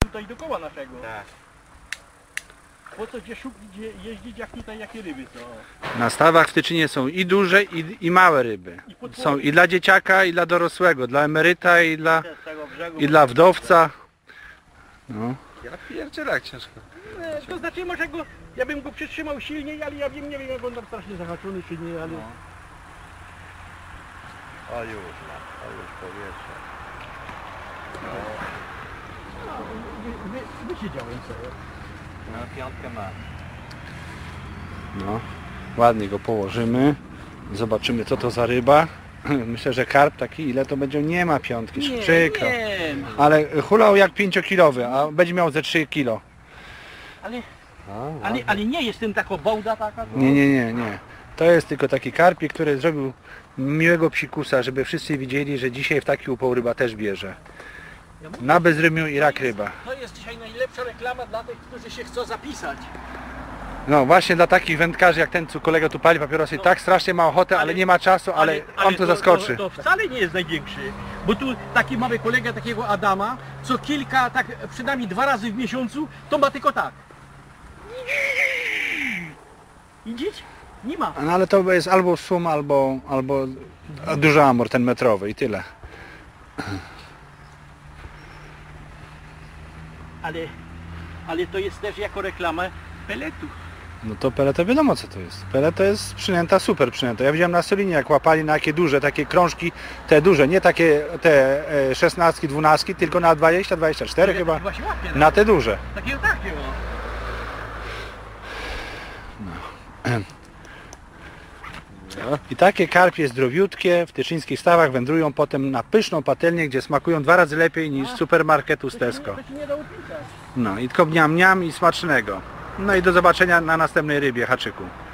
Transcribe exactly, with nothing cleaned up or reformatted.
tutaj dookoła naszego. Tak. Po co gdzie szukać, gdzie jeździć, jak tutaj jakie ryby są? Na stawach w Tyczynie są i duże, i, i małe ryby. I podwórze. Są i dla dzieciaka, i dla dorosłego, dla emeryta, i dla, Z tego brzegu. i dla wdowca. No. Ja pierdzielę jak ciężko. E, To znaczy może go, ja bym go przytrzymał silniej, ale ja wiem, nie wiem jak on tam strasznie zahaczony czy nie, ale... No. O już, no, o już powietrze. No, No, wy, wy, wysiedziałem sobie. no piątkę ma. No. Ładnie go położymy. Zobaczymy co to za ryba. Myślę, że karp taki, ile to będzie? Nie ma piątki, Nie, przykro. nie, Ale hulał jak pięciokilowy, a będzie miał ze trzy kilo. ale, No, ale, ale nie jest tym taka bołda taka. Nie, nie, nie, nie. To jest tylko taki karpik, który zrobił miłego psikusa, żeby wszyscy widzieli, że dzisiaj w taki upał ryba też bierze. Ja mówię, Na bezrymiu i rak to jest- ryba. To jest dzisiaj najlepsza reklama dla tych, którzy się chcą zapisać. No właśnie dla takich wędkarzy jak ten, co kolega tu pali papierosy, No. tak strasznie ma ochotę, ale, Ale- nie ma czasu, ale, on to zaskoczy. To, to wcale nie jest największy. Bo tu taki mamy kolegę takiego Adama, co kilka, tak przynajmniej dwa razy w miesiącu, to ma tylko tak. Widzieć? Nie ma. No ale to jest albo sum, albo, albo duży amor, ten metrowy i tyle. Ale, ale to jest też jako reklama peletu. No to pele to wiadomo co to jest. Pele to jest przynęta, super przynęta. Ja widziałem na Solinie jak łapali na takie duże, takie krążki, te duże, nie takie te e, szesnastki, dwunastki, tylko na dwadzieścia, dwadzieścia cztery chyba. Właśnie łapie. Na te duże. Takiego takiego. I takie karpie zdrowiutkie w tyczyńskich stawach wędrują potem na pyszną patelnię, gdzie smakują dwa razy lepiej niż z supermarketu z Tesco. To się nie da opisać. No i tylko mniam mniam i smacznego. No i do zobaczenia na następnej rybie, haczyku.